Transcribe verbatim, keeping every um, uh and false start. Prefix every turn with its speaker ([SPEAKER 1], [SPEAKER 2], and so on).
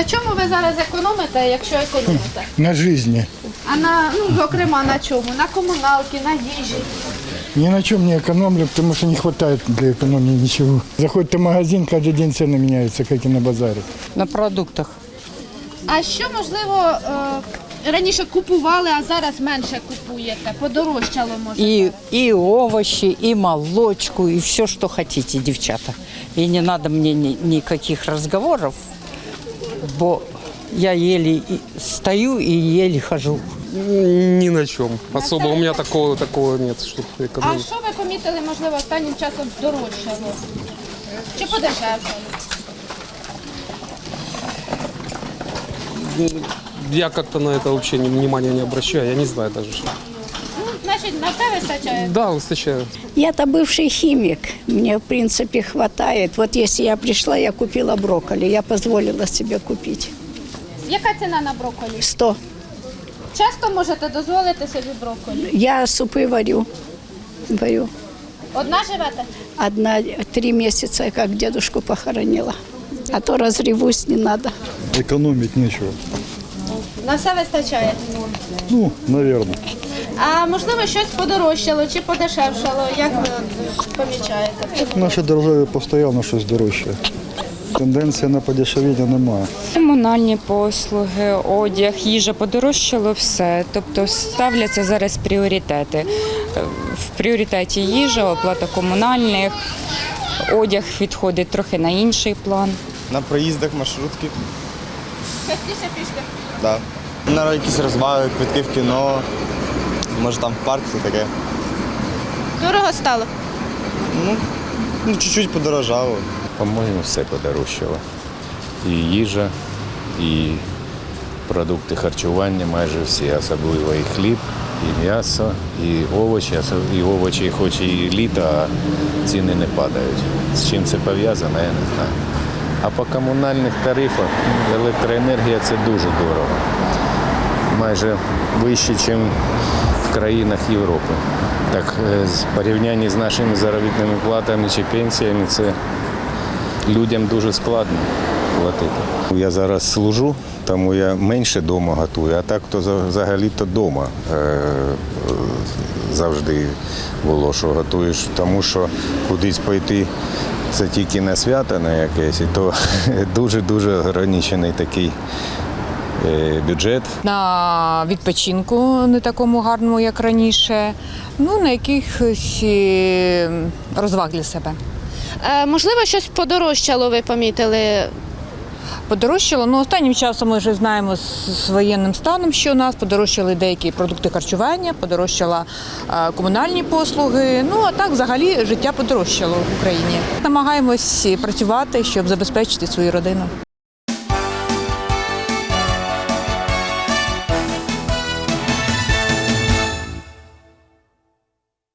[SPEAKER 1] На чому ви зараз економите, якщо економите?
[SPEAKER 2] На жизни.
[SPEAKER 1] А на, ну, зокрема, на чому? На комуналки, на їжі?
[SPEAKER 2] Ни на чем не экономлю, потому что не хватает для экономии ничего. Заходит в магазин, каждый день цены меняются, как и на базаре.
[SPEAKER 3] На продуктах.
[SPEAKER 1] А що, можливо, е, раніше купували, а зараз менше купуєте? Подорожчало, може?
[SPEAKER 3] И, и овощи, и молочку, и все, что хотите, девчата. И не надо мне ни, никаких разговоров, бо я еле и стою и еле хожу.
[SPEAKER 4] Ни на чем. Особо у меня такого, такого нет, чтобы
[SPEAKER 1] А
[SPEAKER 4] экономить.
[SPEAKER 1] що ви помітили, можливо, останнім часом здорожчало? Чи подешевшало?
[SPEAKER 4] Я как-то на это вообще ни- внимания не обращаю, я не знаю даже. Что.
[SPEAKER 1] Ну, значить, на все вистачає?
[SPEAKER 4] Да, выстачаю.
[SPEAKER 5] Я-то бывший химик, мне в принципе хватает. Вот если я пришла, я купила брокколи, я позволила себе купить.
[SPEAKER 1] Яка ціна на брокколі?
[SPEAKER 5] Сто.
[SPEAKER 1] Часто можете дозволити собі брокколі?
[SPEAKER 5] Я супы варю, варю.
[SPEAKER 1] Одна живете?
[SPEAKER 5] Одна, три месяца, как дедушку похоронила. А то разревусь, не надо.
[SPEAKER 6] Экономить нечего.
[SPEAKER 1] На все вистачає.
[SPEAKER 6] Ну, наверное.
[SPEAKER 1] А можливо, щось подорожчало чи подешевшало? Як ви помічаєте?
[SPEAKER 6] В нашій державі постійно щось дорожче. Тенденція на подешевіння немає.
[SPEAKER 7] Комунальні послуги, одяг, їжа подорожчало все. Тобто ставляться зараз пріоритети. В пріоритеті їжа, оплата комунальних, одяг відходить трохи на інший план.
[SPEAKER 8] На проїздах маршрутки,
[SPEAKER 1] Частіше пішки.
[SPEAKER 8] да. На якісь розваги, квитки в кіно, може там в парк, все таке.
[SPEAKER 1] Дорого стало?
[SPEAKER 8] Ну, ну чуть-чуть подорожало.
[SPEAKER 9] По-моєму, все подорожчало. І їжа, і продукти харчування майже всі, особливо і хліб, і м'ясо, і овочі, і овочі, хоч і літо, а ціни не падають. З чим це пов'язано, я не знаю. А по комунальних тарифах електроенергія – це дуже дорого. Майже вище, ніж в країнах Європи. Так, в порівнянні з нашими заробітними платами чи пенсіями, це людям дуже складно платити. Я зараз служу, тому я менше вдома готую, а так то взагалі-то вдома завжди було, що готуєш, тому що кудись пойти це тільки на свято на якесь, і то дуже-дуже ограничений такий бюджет.
[SPEAKER 7] На відпочинку не такому гарному, як раніше, ну, на якихось е, розваг для себе.
[SPEAKER 1] Е, можливо, щось подорожчало, ви помітили?
[SPEAKER 7] Подорожчало, ну останнім часом ми вже знаємо з, з воєнним станом, що у нас подорожчали деякі продукти харчування, подорожчали е, комунальні послуги, ну а так взагалі життя подорожчало в Україні. Намагаємось працювати, щоб забезпечити свою родину.